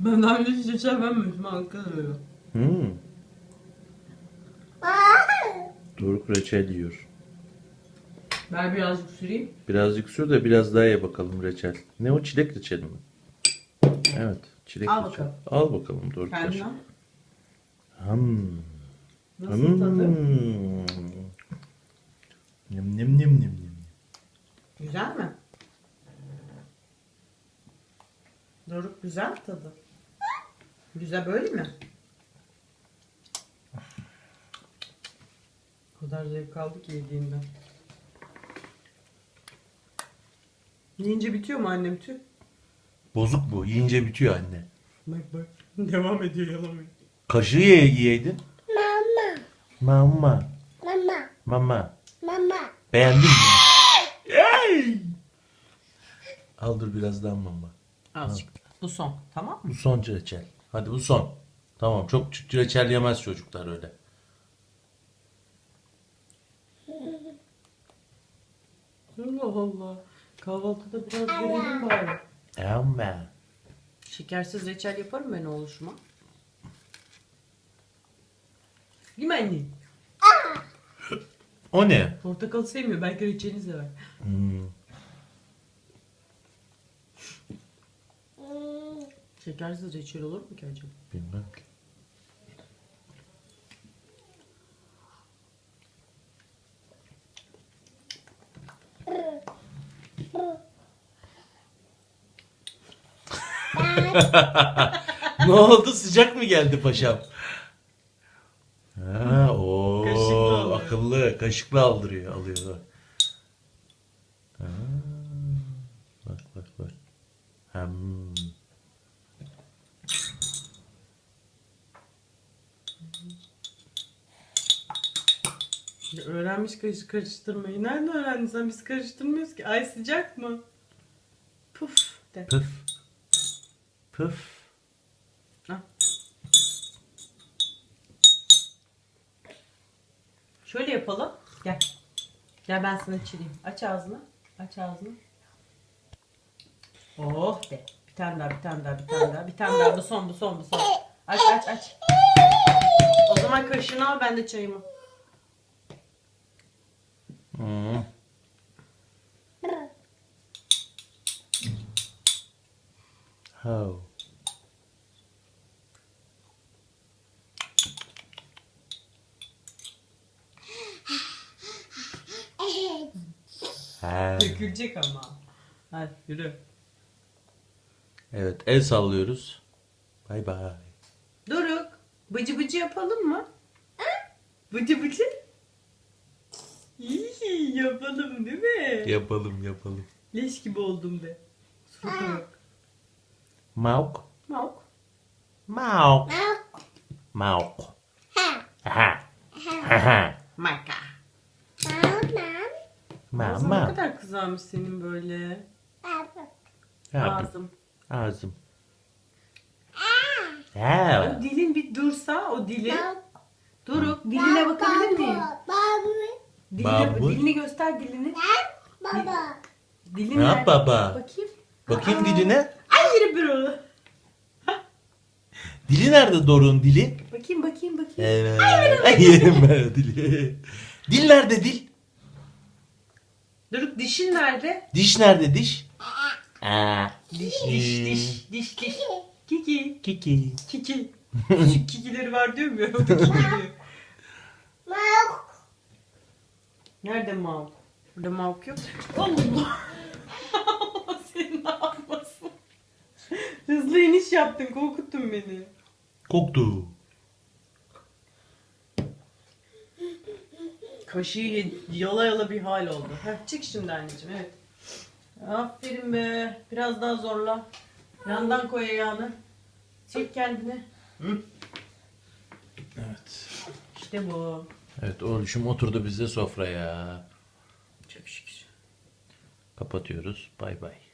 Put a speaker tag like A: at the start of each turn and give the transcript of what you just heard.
A: Ben daha önce hiç reçel vermemişim. Hakikaten öyle.
B: Doruk reçel yiyor.
A: Ben birazcık süreyim.
B: Birazcık sür de biraz daha ye bakalım reçel. Ne o, çilek reçeli mi? Evet, çilek
A: Al
B: reçel.
A: bakalım.
B: Al bakalım Doruk.
A: Kendin al.
B: Nem
A: Nasıl tadı?
B: nem nem nem nem.
A: Güzel mi? Doruk güzel mi tadı? Güzel böyle mi? O kadar zevk aldı ki yediğinden. Yiyince bitiyor mu annem tüh?
B: Bozuk bu. Yiyince bitiyor anne.
A: Bak bak. Devam ediyor yalamıyor.
B: Kaşığı yiyeydin. Mama.
C: Mama.
B: Mama.
C: Mama.
B: Beğendin mi? Ey! Al dur biraz daha mama.
A: Azıcık. Bu son. Tamam mı?
B: Bu son reçel. Hadi bu son. Tamam, çok reçel yemez çocuklar öyle.
A: Allah Allah. Kahvaltıda biraz verelim bari.
B: Ama.
A: Şekersiz reçel yaparım ben oğluşuma. Değil mi anne?
B: O ne?
A: Portakal sevmiyor. Belki reçelini sever. Şekersiz reçel olur mu ki acaba?
B: Bilmem ki. Ne oldu? Sıcak mı geldi paşam? Ha, o
A: Kaşıkla alıyor.
B: akıllı. Kaşıkla aldırıyor, alıyor. Bak. Ha, bak bak bak. Hem.
A: Ya öğrenmiş kaşık karıştırmayı. Nerede öğrendin sen? Biz karıştırmıyoruz ki. Ay sıcak mı? Puf de.
B: Püf. Püf.
A: Ha. Şöyle yapalım. Gel. Gel ben sana çireyim. Aç ağzını. Aç ağzını. Oh de. Bir tane daha, bir tane daha, bir tane daha. Bir tane daha. Bu son, bu son, bu son. Aç, aç, aç. O zaman kaşığını al, ben de çayımı.
B: Hmm. How? Ha.
A: Dökülecek ama. Hadi yürü.
B: Evet, el sallıyoruz. Bay bay.
A: Doruk, bıcı bıcı yapalım mı? Bıcı bıcı? İyi yapalım değil mi?
B: Yapalım yapalım.
A: Leş gibi oldum be. Surata bak.
B: Mauk.
A: Mauk.
B: Mauk. Mauk. Aha. Aha.
A: Maka. Ağzın ne
B: Mama.
A: kadar kızarmış senin böyle.
B: Ağzım.
A: Ağzım.
B: Ağzım. Ha.
A: O dilin bir dursa o dilin. Doruk diline bakabilir miyim?
B: Babu.
A: Dilini göster dilini.
C: Baba.
A: Dilin
B: Ne
A: nerede?
B: yap baba?
A: Bakayım.
B: Bakayım diline.
A: Ay yürü bir onu.
B: Dili nerede Doruk'un dili?
A: Bakayım bakayım bakayım.
B: Evet. Ay yerim ben o dili. Dil nerede dil?
A: Doruk dişin nerede?
B: Diş nerede diş? Aa.
A: Diş diş diş diş diş. Kiki.
B: Kiki.
A: Kiki. Küçük kikileri var diyor mu ya? O da kiki diyor. Nerede Mavuk? Burada Mavuk yok. Allah. Allah seni ne yapmasın. Hızlı iniş yaptın. Korkuttun beni.
B: Koktu.
A: Kaşığı yala yala bir hal oldu. Heh, çık şimdi anneciğim, evet. Aferin be. Biraz daha zorla. Yandan koy ayağını. Çek kendini.
B: Hı? Evet.
A: İşte bu.
B: Evet, oğlum oturdu bizde sofraya.
A: Çok şükür.
B: Kapatıyoruz. Bay bay.